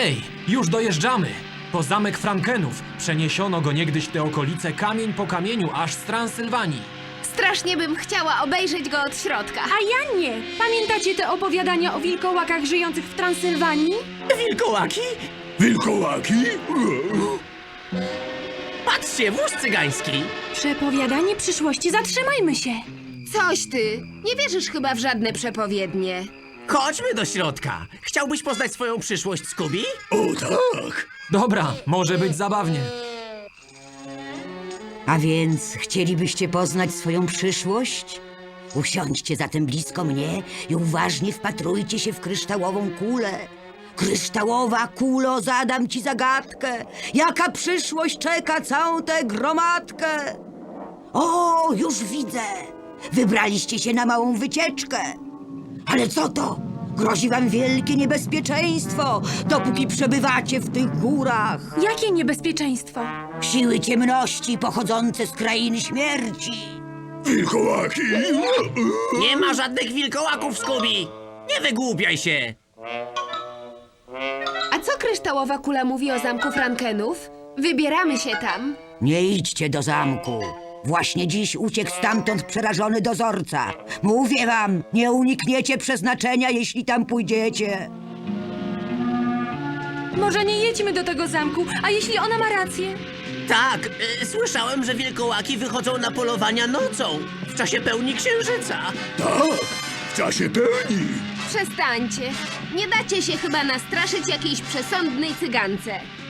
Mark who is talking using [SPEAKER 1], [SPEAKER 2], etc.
[SPEAKER 1] Hej, już dojeżdżamy! Po zamek Frankenów. Przeniesiono go niegdyś w te okolice kamień po kamieniu, aż z Transylwanii.
[SPEAKER 2] Strasznie bym chciała obejrzeć go od środka.
[SPEAKER 3] A ja nie. Pamiętacie te opowiadania o wilkołakach żyjących w Transylwanii?
[SPEAKER 4] Wilkołaki?
[SPEAKER 5] Wilkołaki?
[SPEAKER 4] Patrzcie, wóz cygański!
[SPEAKER 3] Przepowiadanie przyszłości, zatrzymajmy się.
[SPEAKER 2] Coś ty. Nie wierzysz chyba w żadne przepowiednie.
[SPEAKER 4] Chodźmy do środka. Chciałbyś poznać swoją przyszłość, Scooby?
[SPEAKER 5] O tak!
[SPEAKER 1] Dobra, może być zabawnie.
[SPEAKER 6] A więc chcielibyście poznać swoją przyszłość? Usiądźcie zatem blisko mnie i uważnie wpatrujcie się w kryształową kulę. Kryształowa kulo, zadam ci zagadkę. Jaka przyszłość czeka całą tę gromadkę? O, już widzę. Wybraliście się na małą wycieczkę. Ale co to? Grozi wam wielkie niebezpieczeństwo, dopóki przebywacie w tych górach.
[SPEAKER 3] Jakie niebezpieczeństwo?
[SPEAKER 6] Siły ciemności pochodzące z krainy śmierci.
[SPEAKER 5] Wilkołaki?
[SPEAKER 4] Nie ma żadnych wilkołaków, Scooby! Nie wygłupiaj się!
[SPEAKER 2] A co kryształowa kula mówi o zamku Frankenów? Wybieramy się tam.
[SPEAKER 6] Nie idźcie do zamku. Właśnie dziś uciekł stamtąd przerażony dozorca. Mówię wam, nie unikniecie przeznaczenia, jeśli tam pójdziecie.
[SPEAKER 3] Może nie jedźmy do tego zamku, a jeśli ona ma rację?
[SPEAKER 4] Tak, słyszałem, że wilkołaki wychodzą na polowania nocą, w czasie pełni księżyca.
[SPEAKER 5] Tak, w czasie pełni.
[SPEAKER 2] Przestańcie. Nie dacie się chyba nastraszyć jakiejś przesądnej cygance.